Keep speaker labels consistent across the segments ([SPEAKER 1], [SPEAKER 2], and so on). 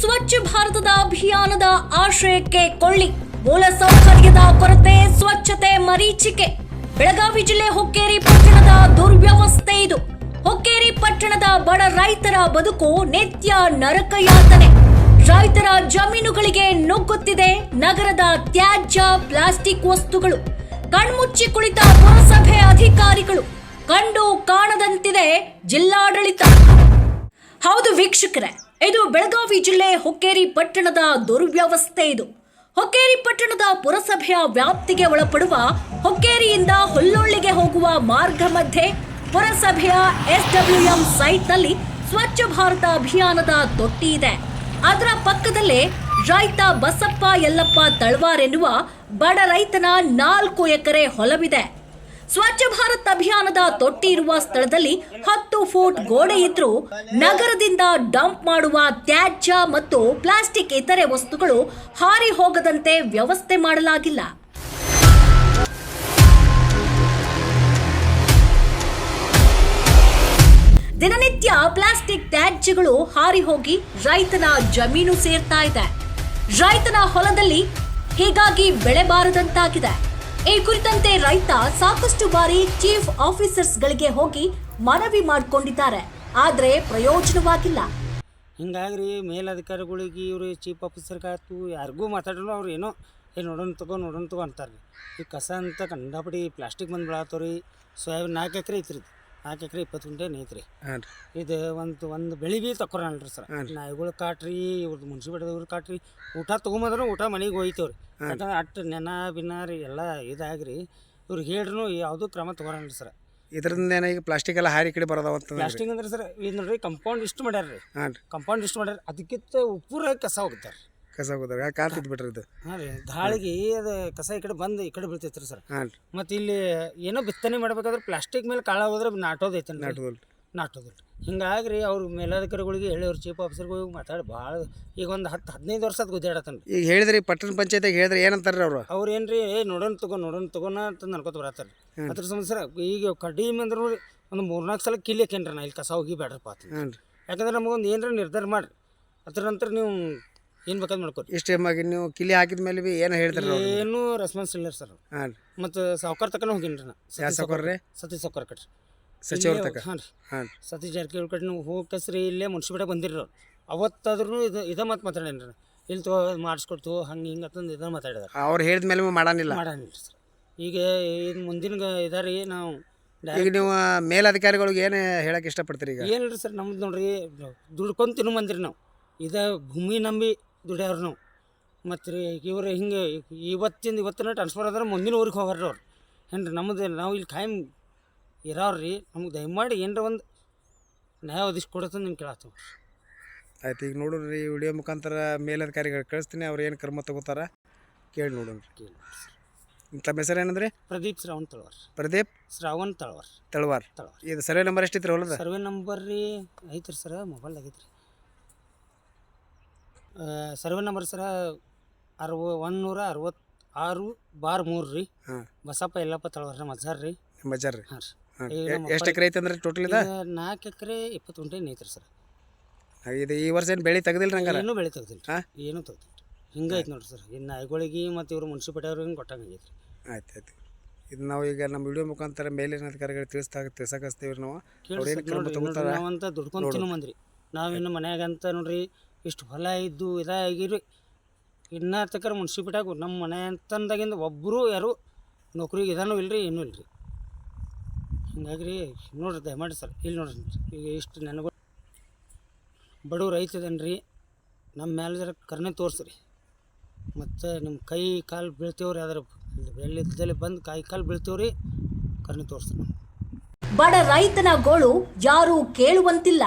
[SPEAKER 1] ಸ್ವಚ್ಛ ಭಾರತದ ಅಭಿಯಾನದ ಆಶಯಕ್ಕೆ ಕೊಳ್ಳಿ, ಮೂಲಸೌಕರ್ಯದ ಕೊರತೆ, ಸ್ವಚ್ಛತೆ ಮರೀಚಿಕೆ. ಬೆಳಗಾವಿ ಜಿಲ್ಲೆ ಹೊಕ್ಕೇರಿ ಪಟ್ಟಣದ ದುರ್ವ್ಯವಸ್ಥೆ ಇದು. ಹೊಕ್ಕೇರಿ ಪಟ್ಟಣದ ಬಡ ರೈತರ ಬದುಕು ನಿತ್ಯ ನರಕಯಾತನೆ. ರೈತರ ಜಮೀನುಗಳಿಗೆ ನುಗ್ಗುತ್ತಿದೆ ನಗರದ ತ್ಯಾಜ್ಯ ಪ್ಲಾಸ್ಟಿಕ್ ವಸ್ತುಗಳು. ಕಣ್ಮುಚ್ಚಿ ಕುಳಿತ ಪುರಸಭೆ ಅಧಿಕಾರಿಗಳು, ಕಂಡು ಕಾಣದಂತಿದೆ ಜಿಲ್ಲಾಡಳಿತ. ಹೌದು ವೀಕ್ಷಕರೇ, ಇದು ಬೆಳಗಾವಿ ಜಿಲ್ಲೆ ಹೊಕ್ಕೇರಿ ಪಟ್ಟಣದ ದುರ್ವ್ಯವಸ್ಥೆ ಇದು. ಹೊಕ್ಕೇರಿ ಪಟ್ಟಣದ ಪುರಸಭೆಯ ವ್ಯಾಪ್ತಿಗೆ ಒಳಪಡುವ ಹೊಕ್ಕೇರಿಯಿಂದ ಹುಲ್ಲೊಳ್ಳಿಗೆ ಹೋಗುವ ಮಾರ್ಗ ಮಧ್ಯೆ ಪುರಸಭೆಯ SWM ಸೈಟ್ನಲ್ಲಿ ಸ್ವಚ್ಛ ಭಾರತ ಅಭಿಯಾನದ ತೊಟ್ಟಿ ಇದೆ. ಅದರ ಪಕ್ಕದಲ್ಲೇ ರೈತ ಬಸಪ್ಪ ಯಲ್ಲಪ್ಪ ತಳವಾರ್ ಎನ್ನುವ ಬಡ ರೈತನ 4 ಎಕರೆ ಹೊಲವಿದೆ. ಸ್ವಚ್ಛ ಭಾರತ್ ಅಭಿಯಾನದ ತೊಟ್ಟಿ ಇರುವ ಸ್ಥಳದಲ್ಲಿ 10 ಫೂಟ್ ಗೋಡೆ ಇದ್ರೂ ನಗರದಿಂದ ಡಂಪ್ ಮಾಡುವ ತ್ಯಾಜ್ಯ ಮತ್ತು ಪ್ಲಾಸ್ಟಿಕ್ ಇತರೆ ವಸ್ತುಗಳು ಹಾರಿ ಹೋಗದಂತೆ ವ್ಯವಸ್ಥೆ ಮಾಡಲಾಗಿಲ್ಲ. ದಿನನಿತ್ಯ ಪ್ಲಾಸ್ಟಿಕ್ ತ್ಯಾಜ್ಯಗಳು ಹಾರಿ ಹೋಗಿ ರೈತನ ಜಮೀನು ಸೇರ್ತಾ ಇದೆ. ರೈತನ ಹೊಲದಲ್ಲಿ ಹೀಗಾಗಿ ಬೆಳೆ ಬಾರದಂತಾಗಿದೆ. ಈ ಕುರಿತಂತೆ ರೈತ ಸಾಕಷ್ಟು ಬಾರಿ ಚೀಫ್ ಆಫೀಸರ್ಸ್ಗಳಿಗೆ ಹೋಗಿ ಮನವಿ ಮಾಡಿಕೊಂಡಿದ್ದಾರೆ, ಆದರೆ ಪ್ರಯೋಜನವಾಗಿಲ್ಲ.
[SPEAKER 2] ಹಿಂಗಾಗಿ ಮೇಲಧಿಕಾರಿಗಳಿಗೆ ಇವರು ಚೀಫ್ ಆಫೀಸರ್ಗಾಯ್ತು ಯಾರಿಗೂ ಮಾತಾಡಲು ಅವ್ರು ಏನೋ ನೋಡೋಣ ತಗೋ ಅಂತಾರೆ. ಈ ಕಸ ಅಂತ ಕಂಡಾಪಡಿ ಪ್ಲಾಸ್ಟಿಕ್ ಬಂದು ಬೆಳತ್ತವ್ರಿ. ಸೋಯಾಬೀನ್ 4 ಎಕರೆ ಐತ್ರಿ, 4 ಎಕರೆ 20 ಗುಂಟೆ ಐತ್ರಿ. ಇದು ಒಂದು ಬೆಳೆ ಭೀ ತಕ್ಕೊರಲ್ರಿ ಸರ್. ನಾಯಿಗಳು ಕಾಟ್ರಿ, ಇವ್ರದ್ದು ಮುನ್ಸಿಪಾಲ್ಟಿದವ್ರು ಕಾಟ್ರಿ, ಊಟ ತೊಗೊಂಬಂದ್ರೆ ಊಟ ಮನೆಗೆ ಹೋಯ್ತೇವ್ರಿ. ಯಾಕಂದ್ರೆ ಅಟ್ಟು ನೆನ ಬಿನ್ನಾರಿ ಎಲ್ಲ ಇದಾಗ್ರಿ ಇವ್ರಿಗೆ ಹೇಳ್ರೂ ಯಾವುದೂ ಕ್ರಮ ತೊಗೊರಲ್ರಿ ಸರ್.
[SPEAKER 3] ಇದರಿಂದ ಈಗ ಪ್ಲಾಸ್ಟಿಕ್ ಎಲ್ಲ ಹಾರಿ ಕಡೆ ಬರೋದಾವಂತ.
[SPEAKER 2] ಪ್ಲಾಸ್ಟಿಕ್ ಅಂದ್ರೆ ಸರ್ ಇದು ನೋಡ್ರಿ ಕಂಪೌಂಡ್ ಇಷ್ಟು ಮಾಡ್ಯಾರ ರೀ. ಕಂಪೌಂಡ್ ಇಷ್ಟು ಮಾಡ್ಯಾರ, ಅದಕ್ಕಿಂತ ಉಪ್ಪುರ ಕಸ ಹೋಗ್ತಾರೆ.
[SPEAKER 3] ಕಸ ಹೋಗೋದಾಗ ಕಾಂತಿದ್ ಬಿಟ್ರಿ ಇದು.
[SPEAKER 2] ಹಾಂ ರೀ, ಗಾಳಿಗೆ ಅದು ಕಸ ಈ ಕಡೆ ಬಂದು ಈ ಕಡೆ ಬೀಳ್ತೈತೆ ರೀ ಸರ್. ಮತ್ತು ಇಲ್ಲಿ ಏನೋ ಬಿತ್ತನೆ ಮಾಡ್ಬೇಕಾದ್ರೆ ಪ್ಲಾಸ್ಟಿಕ್ ಮೇಲೆ ಕಾಳ ಹೋದ್ರೆ ನಾಟೋದೈತೆ, ನಾಟೋದಿಲ್ಲ. ಹಿಂಗಾಗಿ ರೀ ಅವ್ರ ಮೇಲಧಿಕಾರಿಗಳಿಗೆ ಹೇಳಿ ಅವ್ರ ಚೀಫ್ ಆಫೀಸರ್ಗಳಿಗೆ ಮಾತಾಡಿ ಭಾಳ ಈಗ ಒಂದು 10-15 ವರ್ಷ ಅದು ಗುದ್ದಾಡತ್ತಾನ ರೀ.
[SPEAKER 3] ಈಗ ಹೇಳಿದ್ರಿ ಪಟ್ಟಣ ಪಂಚಾಯತಿಗೆ ಹೇಳಿದ್ರೆ ಏನಂತಾರೆ ಅವ್ರು
[SPEAKER 2] ಏನು ರೀ, ನೋಡೋಣ ತಗೋಣ ಅಂತ ಅನ್ಕೋತ ಬರತ್ತಾರೆ. ಅದ್ರ ಸಂಬಂಧ ಸರ್ ಈಗ ಕಡಿಮೆ ಅಂದ್ರೆ ನೋಡಿ ಒಂದು 3-4 ಸಲ ಕಿಲಿಯಕೇನ್ರಿ ನಾ ಇಲ್ಲಿ ಕಸ ಹೋಗಿ ಬೇಡ್ರಪ್ಪ ಅಂತ. ಯಾಕಂದ್ರೆ ನಮಗೊಂದು ಏನರ ನಿರ್ಧಾರ ಮಾಡಿರಿ, ಅದ್ರ ನಂತರ ನೀವು ಏನು ಬೇಕಾದ್ ಮಾಡ್ಕೊರಿ.
[SPEAKER 3] ಇಷ್ಟೇಮಾಗಿ ನೀವು ಕಿಲಿ ಹಾಕಿದ ಮೇಲೆ ಭೀ ಏನು ಹೇಳ್ತಾರೆ?
[SPEAKER 2] ಏನೂ ರೆಸ್ಪಾನ್ಸ್ ಇಲ್ಲ ಸರ್. ಮತ್ತು ಸಾವುಕಾರ ತಕ್ಕ ಹೋಗಿನಿ ರೀ ನಾ.
[SPEAKER 3] ಸಾವುಕಾರ್ರಿ?
[SPEAKER 2] ಸತೀಶ್ ಸಾವುಕಾರ ಕಟ್ರಿ
[SPEAKER 3] ಸಚಿವರ ತಕ್ಕ.
[SPEAKER 2] ಹಾಂ ರೀ, ಸತೀಶ್ ಜಾರಕಿಹೊಳಿ ಕಡೆ ನೀವು ಹೋಗಸ್ರಿ, ಇಲ್ಲೇ ಮುನ್ಸಿಪಾಲ್ಟಿ ಬಂದಿರಿ ಅವ್ರು. ಅವತ್ತಾದ್ರೂ ಇದೇ ಮಾತು ಮಾತಾಡೇನ್ರಿ, ಇಲ್ಲಿ ತಗೋ ಮಾಡಿಸ್ಕೊಡ್ತು ಹಂಗೆ ಹಿಂಗೆ ಅಂತಂದು ಇದನ್ನು ಮಾತಾಡಿದಾರೆ.
[SPEAKER 3] ಅವ್ರು ಹೇಳಿದ ಮೇಲೆ ಮಾಡಾನಿಲ್ಲ
[SPEAKER 2] ಸರ್. ಈಗ ಇದು ಮುಂದಿನ ಇದಾರಿ ನಾವು
[SPEAKER 3] ಈಗ ನೀವು ಮೇಲಧಿಕಾರಿಗಳಿಗೆ ಏನು ಹೇಳಕ್ಕೆ ಇಷ್ಟಪಡ್ತೀರಿ? ಈಗ
[SPEAKER 2] ಏನಿಲ್ಲ ಸರ್, ನಮ್ದು ನೋಡ್ರಿ ದುಡ್ಕೊಂಡು ತಿನ್ನು ಬಂದಿರಿ ನಾವು. ಇದೇ ಭೂಮಿ ನಂಬಿ ದುಡಿಯವ್ರು ನಾವು. ಮತ್ತು ರೀ ಇವ್ರು ಹಿಂಗೆ ಇವತ್ತಿನ ಟ್ರಾನ್ಸ್ಫರ್ ಆದ್ರೆ ಮುಂದಿನ ಊರಿಗೆ ಹೋಗಾರ್ರಿ ಅವ್ರು. ಏನು ರೀ ನಮ್ಮದು ನಾವು ಇಲ್ಲಿ ಖಾಯಂ ಇರೋರು ರೀ. ನಮ್ಗೆ ದಯಮಾಡಿ ಏನರ ಒಂದು ನ್ಯಾಯ ಒದಿಸಿ ಕೊಡತ್ತ ನಿಮ್ಗೆ ಕೇಳತ್ತೀವಿ.
[SPEAKER 3] ಆಯ್ತು, ಈಗ ನೋಡ್ರಿ ವಿಡಿಯೋ ಮುಖಾಂತರ ಮೇಲಧಿಕಾರಿಗಳು ಕಳಿಸ್ತೀನಿ, ಅವ್ರು ಏನು ಕ್ರಮ ತಗೋತಾರ ಕೇಳಿ ನೋಡೋಣ. ತಮ್ಮ ಹೆಸರು ಏನಂದ್ರೆ?
[SPEAKER 2] ಪ್ರದೀಪ್ ಶ್ರಾವಣ್ ತಳವಾರ್.
[SPEAKER 3] ಪ್ರದೀಪ್ ಶ್ರಾವಣ್ ತಳವಾರ್. ಇದು ಸರ್ವೆ ನಂಬರ್ ಎಷ್ಟಿತ್ತು ಹೊಲದ?
[SPEAKER 2] ಸರ್ವೆ ನಂಬರ್ ರೀ ಐತ್ರಿ ಸರ, ಮೊಬೈಲ್ ಆಗೈತ್ರಿ. ಸರ್ವೆ ನಂಬರ್ ಸರ 166/3 ರೀ. ಬಸಪ್ಪ ಯಲ್ಲಪ್ಪ ತಳವಾರ ಮಜಾರ್ ರೀ.
[SPEAKER 3] ಮಜಾರ್ ರೀ.
[SPEAKER 2] ಹಾಂ ರೀ.
[SPEAKER 3] ಎಷ್ಟು ಎಕರೆ ಐತೆ ಅಂದ್ರೆ ಟೋಟಲ್? ಇದೆ
[SPEAKER 2] 4 ಎಕರೆ 20 ಗುಂಟೆ ಐತ್ರಿ ಸರ್.
[SPEAKER 3] ಇದು ಈ ವರ್ಷ ಏನು ಬೆಳೆ ತೆಗ್ದಿಲ್ಲ ನಂಗೆ?
[SPEAKER 2] ಏನೂ ಬೆಳೆ ತೆಗ್ದಿಲ್ಲ, ಏನೂ ತೆಗ್ದಿಲ್ಲ. ಹಿಂಗೆ ಐತೆ ನೋಡ್ರಿ ಸರ್. ಇನ್ನು ನಾಯಿಗಳಿಗೆ ಮತ್ತು ಇವರು ಮುನ್ಸಿಪಾಲ್ಟಿ ಅವ್ರಿಗೆ ಕೊಟ್ಟಂಗೈತೆ ರೀ. ಆಯ್ತು. ಇದು ನಾವು ಈಗ ನಮ್ಮ ವಿಡಿಯೋ ಮುಖಾಂತರ ಮೇಲಿನ ಅಧಿಕಾರಿಗಳು ತಿಳಿಸಕಸ್ತೀವಿ ನಾವು. ನಾವಂತ ದುಡ್ಕೊಂಡು ತಿನ್ನು ಬಂದ್ರಿ ನಾವಿನ್ನು ಮನ್ಯಾಗಂತ ನೋಡ್ರಿ ಇಷ್ಟು ಹೊಲ ಇದ್ದು ಇದಾಗಿರಿ. ಇನ್ನೂ ತಕ್ಕ ಮುನ್ಸಿಪಾಲ್ಟಿಯಾಗ ನಮ್ಮ ಮನೆ ಅಂತಂದಾಗಿಂದ ಒಬ್ಬರು ಯಾರು ನೌಕರಿಗೆ ಇದಾನೂ ಇಲ್ಲರಿ, ಏನೂ ಇಲ್ಲರಿ. ಹಿಂಗಾಗಿ ರೀ ನೋಡ್ರಿ ದಯಮಾಡಿ ಸರ್, ಇಲ್ಲಿ ನೋಡ್ರಿ ಈಗ ಇಷ್ಟು ನೆನಗಳು ಬಡವ್ರು ರೈತ ಇದೇನು ರೀ, ನಮ್ಮ ಮೇಲೆ ಜರ ಕರುಣೆ ತೋರಿಸ್ರಿ. ಮತ್ತು ನಿಮ್ಮ ಕೈ ಕಾಲು ಬೀಳ್ತೇವ್ರಿ, ಅದರ ಬೆಳ್ಳಿದ್ದಲ್ಲಿ ಬಂದು ಕೈ ಕಾಲು ಬೀಳ್ತೇವ್ರಿ, ಕರುಣೆ ತೋರಿಸ್ರಿ. ನಾವು
[SPEAKER 1] ಬಡ ರೈತನ ಗೋಳು ಯಾರೂ ಕೇಳುವಂತಿಲ್ಲ.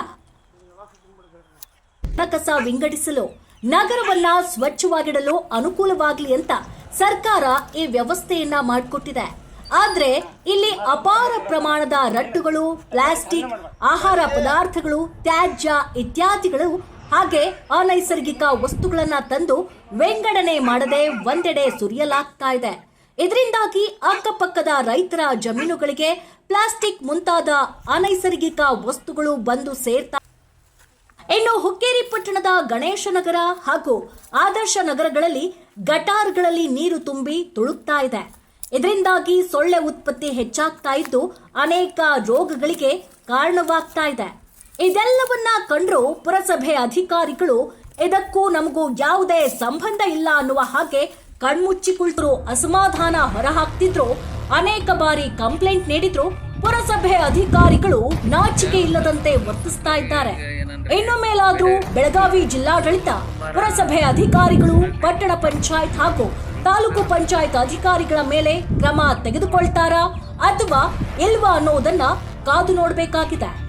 [SPEAKER 1] ಕಸ ವಿಂಗಡಿಸಲು ನಗರವನ್ನ ಸ್ವಚ್ಛವಾಗಿಡಲು ಅನುಕೂಲವಾಗಲಿ ಅಂತ ಸರ್ಕಾರ ಈ ವ್ಯವಸ್ಥೆಯನ್ನ ಮಾಡಿಕೊಟ್ಟಿದೆ. ಆದ್ರೆ ಇಲ್ಲಿ ಅಪಾರ ಪ್ರಮಾಣದ ರಟ್ಟುಗಳು, ಪ್ಲಾಸ್ಟಿಕ್, ಆಹಾರ ಪದಾರ್ಥಗಳು, ತ್ಯಾಜ್ಯ ಇತ್ಯಾದಿಗಳು ಹಾಗೆ ಅನೈಸರ್ಗಿಕ ವಸ್ತುಗಳನ್ನ ತಂದು ವಿಂಗಡಣೆ ಮಾಡದೆ ಒಂದೆಡೆ ಸುರಿಯಲಾಗ್ತಾ ಇದೆ. ಇದರಿಂದಾಗಿ ಅಕ್ಕಪಕ್ಕದ ರೈತರ ಜಮೀನುಗಳಿಗೆ ಪ್ಲಾಸ್ಟಿಕ್ ಮುಂತಾದ ಅನೈಸರ್ಗಿಕ ವಸ್ತುಗಳು ಬಂದು ಸೇರ್ತಾ ಇನ್ನು ಹುಕ್ಕೇರಿ ಪಟ್ಟಣದ ಗಣೇಶ ನಗರ ಹಾಗೂ ಆದರ್ಶ ನಗರಗಳಲ್ಲಿ ಗಟಾರ್ಗಳಲ್ಲಿ ನೀರು ತುಂಬಿ ತುಳುಕ್ತಾ ಇದೆ. ಇದರಿಂದಾಗಿ ಸೊಳ್ಳೆ ಉತ್ಪತ್ತಿ ಹೆಚ್ಚಾಗ್ತಾ ಇದ್ದು ಅನೇಕ ರೋಗಗಳಿಗೆ ಕಾರಣವಾಗ್ತಾ ಇದೆ. ಇದೆಲ್ಲವನ್ನ ಕಂಡ್ರು ಪುರಸಭೆ ಅಧಿಕಾರಿಗಳು ಇದಕ್ಕೂ ನಮಗೂ ಯಾವುದೇ ಸಂಬಂಧ ಇಲ್ಲ ಅನ್ನುವ ಹಾಗೆ ಕಣ್ಮುಚ್ಚಿ ಕುಳಿತರು ಅಸಮಾಧಾನ ಹೊರಹಾಕ್ತಿದ್ರು. ಅನೇಕ ಬಾರಿ ಕಂಪ್ಲೇಂಟ್ ನೀಡಿದ್ರು. ಪುರಸಭೆ ಅಧಿಕಾರಿಗಳು ನಾಚಿಕೆ ಇಲ್ಲದಂತೆ ವರ್ತಿಸ್ತಾ ಇದ್ದಾರೆ. ಇನ್ನು ಮೇಲಾದ್ರೂ ಬೆಳಗಾವಿ ಜಿಲ್ಲಾಡಳಿತ, ಪುರಸಭೆ ಅಧಿಕಾರಿಗಳು, ಪಟ್ಟಣ ಪಂಚಾಯತ್ ಹಾಗೂ ತಾಲೂಕು ಪಂಚಾಯತ್ ಅಧಿಕಾರಿಗಳ ಮೇಲೆ ಕ್ರಮ ತೆಗೆದುಕೊಳ್ತಾರಾ ಅಥವಾ ಇಲ್ವಾ ಅನ್ನೋದನ್ನ ಕಾದು ನೋಡಬೇಕಾಗಿದೆ.